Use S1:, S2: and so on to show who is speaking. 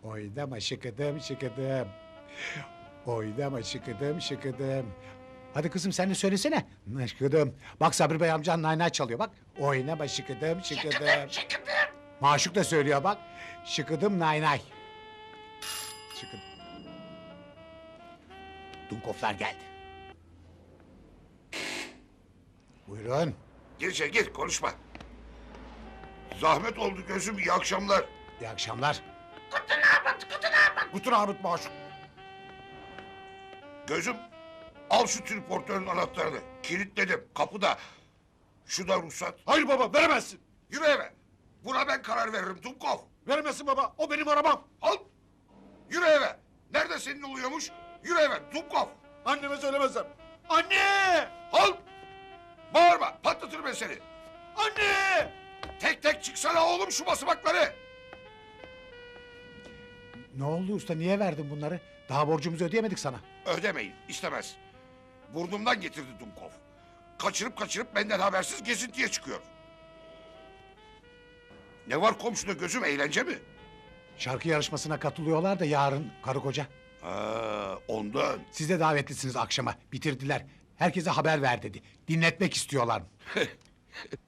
S1: Oynama şıkıdım şıkıdım. Oynama şıkıdım şıkıdım. Hadi kızım sen de söylesene. Şıkıdım. Bak Sabri Bey amcan naynay çalıyor bak. Oynama şıkıdım şıkıdım. Maşuk da söylüyor bak. Şıkıdım naynay. Şıkıdım. Dunkoflar geldi. Buyurun.
S2: Gir içeri gir konuşma. Zahmet oldu gözüm iyi akşamlar.
S1: İyi akşamlar.
S2: Bütün Ahmet Maşuk. Gözüm al şu triportörün anahtarını. Kilitledim kapıda. Şu da ruhsat.
S3: Hayır baba, veremezsin.
S2: Yürü eve. Buna ben karar veririm Dumkov.
S3: Veremezsin baba, o benim arabam.
S2: Al. Yürü eve. Nerede senin oluyormuş? Yürü eve Dumkov.
S3: Anneme söylemezsem. Anne!
S2: Al. Bağırma patlatırım ben seni.
S3: Anne!
S2: Tek tek çıksana oğlum şu basamakları.
S1: Ne oldu usta niye verdin bunları? Daha borcumuzu ödeyemedik sana.
S2: Ödemeyin istemez. Burnumdan getirdi Dumkov. Kaçırıp benden habersiz gezintiye çıkıyor. Ne var komşuda gözüm eğlence mi?
S1: Şarkı yarışmasına katılıyorlar da yarın karı koca.
S2: Ha, ondan.
S1: Siz de davetlisiniz akşama. Bitirdiler. Herkese haber ver dedi. Dinletmek istiyorlar.